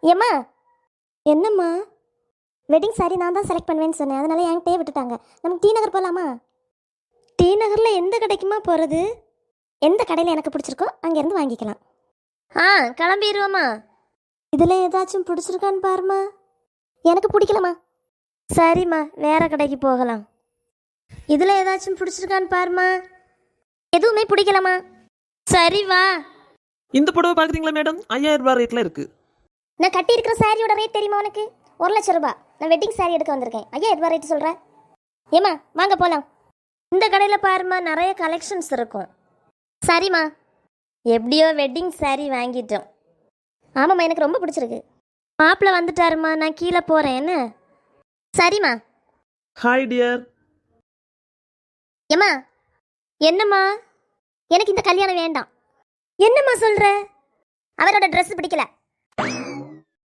ஏம்மா, என்னம்மா? Wedding sorry நான் தான் செலக்ட் பண்ணுவேன்னு சொன்னேன், அதனால என்கிட்டயே விட்டுட்டாங்க. நமக்கு டி நகர் போகலாமா? டி நகரில் எந்த கடைக்குமா போகிறது? எந்த கடையில் எனக்கு பிடிச்சிருக்கோ அங்கேருந்து வாங்கிக்கலாம். கிளம்பிடுவோம்மா. இதில் ஏதாச்சும் பிடிச்சிருக்கான்னு பாருமா. எனக்கு பிடிக்கலம்மா. சரிம்மா, வேற கடைக்கு போகலாம். இதில் ஏதாச்சும் பிடிச்சிருக்கான்னு பாருமா. எதுவுமே பிடிக்கலம்மா. சரி வா. இந்த புடவை பார்க்குறீங்களா மேடம்? 5000 ரூபாய் ரேட்டில் இருக்குது. நான் கட்டியிருக்கிற சாரியோட ரேட் தெரியுமா உனக்கு? 1,00,000 ரூபாய். நான் வெட்டிங் சாரி எடுக்க வந்திருக்கேன். 5000 ரூபாய் ரேட்டு சொல்கிறேன். ஏம்மா வாங்க போகலாம். இந்த கடையில் பாருமா, நிறைய கலெக்ஷன்ஸ் இருக்கும். சரிம்மா. எப்படியோ வெட்டிங் சாரி வாங்கிட்டோம். ஆமாம்மா, எனக்கு ரொம்ப பிடிச்சிருக்கு. மாப்பிள்ளை வந்துட்டாருமா, நான் கீழே போகிறேன். என்ன? சரிம்மா. Hi dear. ஏம்மா. என்னம்மா? எனக்கு இந்த கல்யாணம் வேண்டாம். என்னம்மா சொல்கிற? அவரோட ட்ரெஸ் பிடிக்கல.